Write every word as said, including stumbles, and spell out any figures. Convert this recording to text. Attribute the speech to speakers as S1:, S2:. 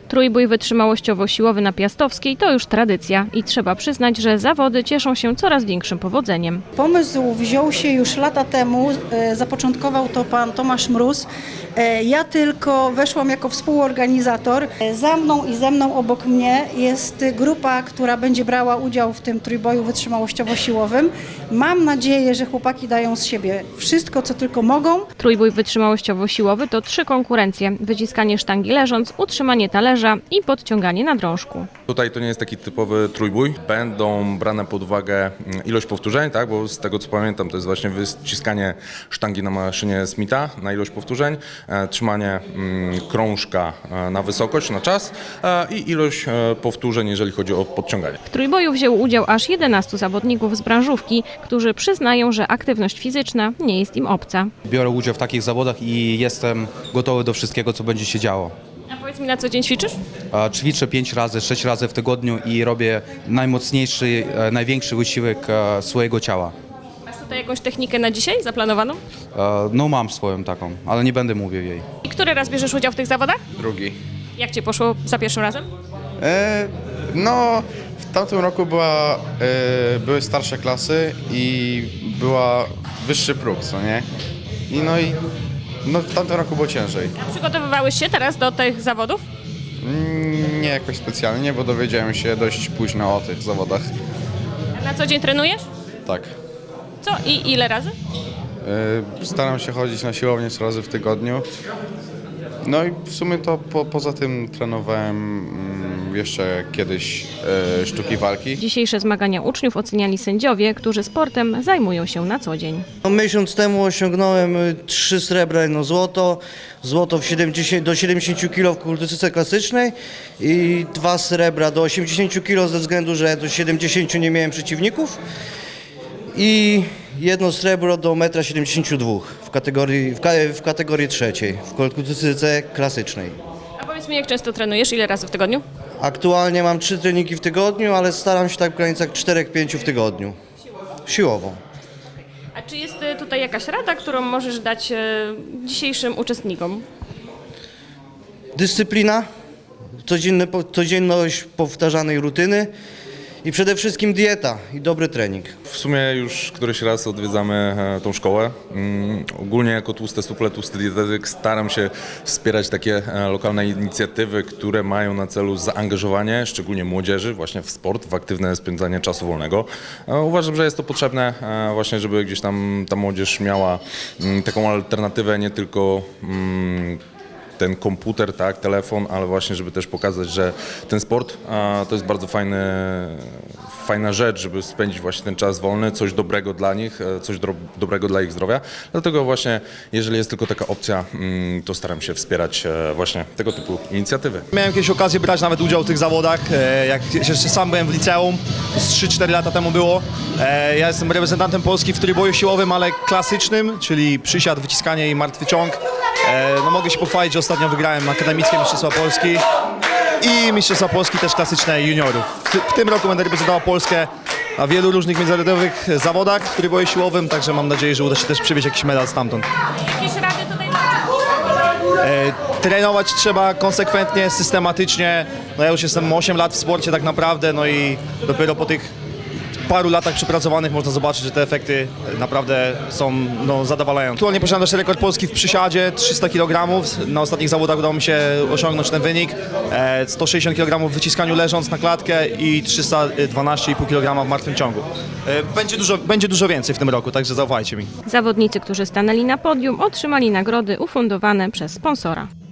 S1: Trójbój wytrzymałościowo-siłowy na Piastowskiej to już tradycja i trzeba przyznać, że zawody cieszą się coraz większym powodzeniem.
S2: Pomysł wziął się już lata temu, e, zapoczątkował to pan Tomasz Mróz. E, ja tylko weszłam jako współorganizator. E, za mną i ze mną obok mnie jest grupa, która będzie brała udział w tym trójboju wytrzymałościowo-siłowym. Mam nadzieję, że chłopaki dają z siebie wszystko, co tylko mogą.
S1: Trójbój wytrzymałościowo-siłowy to trzy konkurencje: wyciskanie sztangi leżąc, utrzymanie talerza i podciąganie na drążku.
S3: Tutaj to nie jest taki typowy trójbój. Będą brane pod uwagę ilość powtórzeń, tak? Bo z tego co pamiętam to jest właśnie wyciskanie sztangi na maszynie Smitha na ilość powtórzeń, e, trzymanie mm, krążka e, na wysokość, na czas e, i ilość e, powtórzeń, jeżeli chodzi o podciąganie.
S1: W trójboju wzięło udział aż jedenastu zawodników z branżówki, którzy przyznają, że aktywność fizyczna nie jest im obca.
S4: Biorę udział w takich zawodach i jestem gotowy do wszystkiego, co będzie się działo.
S1: A powiedz mi, na co dzień ćwiczysz?
S4: A Ćwiczę pięć razy, sześć razy w tygodniu i robię najmocniejszy, e, największy wysiłek e, swojego ciała.
S1: Masz tutaj jakąś technikę na dzisiaj zaplanowaną?
S4: E, No mam swoją taką, ale nie będę mówił jej.
S1: I który raz bierzesz udział w tych zawodach?
S5: Drugi.
S1: Jak Ci poszło za pierwszym razem?
S5: E, no, w tamtym roku była, e, były starsze klasy i była wyższy próg, co nie? I no i no, w tamtym roku było ciężej.
S1: A przygotowywałeś się teraz do tych zawodów?
S5: Mm, Nie jakoś specjalnie, bo dowiedziałem się dość późno o tych zawodach.
S1: A na co dzień trenujesz?
S5: Tak.
S1: Co i ile razy?
S5: E, staram się chodzić na siłownię trzy razy w tygodniu. No i w sumie to po, poza tym trenowałem mm, jeszcze kiedyś e, sztuki walki.
S1: Dzisiejsze zmagania uczniów oceniali sędziowie, którzy sportem zajmują się na co dzień.
S6: No, miesiąc temu osiągnąłem y, trzy srebra, jedno złoto, złoto w siedemdziesiąt, do siedemdziesięciu kilogramów w kulturystyce klasycznej i dwa srebra do osiemdziesięciu kilogramów ze względu, że do siedemdziesięciu nie miałem przeciwników i jedno srebro do metra siedemdziesięciu dwóch w kategorii, w, ka, w kategorii trzeciej w kulturystyce klasycznej.
S1: A powiedz mi, jak często trenujesz? Ile razy w tygodniu?
S6: Aktualnie mam trzy treningi w tygodniu, ale staram się tak w granicach czterech pięciu w tygodniu. Siłowo.
S1: A czy jest y, tutaj jakaś rada, którą możesz dać y, dzisiejszym uczestnikom?
S6: Dyscyplina, codzienny, codzienność powtarzanej rutyny i przede wszystkim dieta i dobry trening.
S3: W sumie już któryś raz odwiedzamy e, tą szkołę. Mm, ogólnie jako tłusty suple, tłusty dietetyk staram się wspierać takie e, lokalne inicjatywy, które mają na celu zaangażowanie, szczególnie młodzieży, właśnie w sport, w aktywne spędzanie czasu wolnego. E, uważam, że jest to potrzebne e, właśnie, żeby gdzieś tam ta młodzież miała mm, taką alternatywę, nie tylko mm, ten komputer, tak, telefon, ale właśnie, żeby też pokazać, że ten sport a, to jest bardzo fajny, fajna rzecz, żeby spędzić właśnie ten czas wolny, coś dobrego dla nich, e, coś do, dobrego dla ich zdrowia. Dlatego właśnie, jeżeli jest tylko taka opcja, mm, to staram się wspierać e, właśnie tego typu inicjatywy.
S7: Miałem kiedyś okazję brać nawet udział w tych zawodach, e, jak jeszcze sam byłem w liceum, z trzy cztery lata temu było. E, Ja jestem reprezentantem Polski w trójboju siłowym, ale klasycznym, czyli przysiad, wyciskanie i martwy ciąg. E, No mogę się pochwalić, że ostatnio wygrałem akademickie Mistrzostwa Polski i Mistrzostwa Polski też klasyczne juniorów. W, w tym roku będę reprezentował Polskę na wielu różnych międzynarodowych zawodach w trójboju siłowym, także mam nadzieję, że uda się też przywieźć jakiś medal stamtąd.
S1: Jakieś rady tutaj
S7: E, Trenować trzeba konsekwentnie, systematycznie. No ja już jestem osiem lat w sporcie tak naprawdę, no i dopiero po tych paru latach przepracowanych można zobaczyć, że te efekty naprawdę są no, zadowalające. Aktualnie posiadam też rekord Polski w przysiadzie, trzysta kilogramów. Na ostatnich zawodach udało mi się osiągnąć ten wynik. E, sto sześćdziesiąt kilogramów w wyciskaniu leżąc na klatkę i trzysta dwanaście i pół kilograma w martwym ciągu. E, Będzie dużo, będzie dużo więcej w tym roku, także zaufajcie mi.
S1: Zawodnicy, którzy stanęli na podium, otrzymali nagrody ufundowane przez sponsora.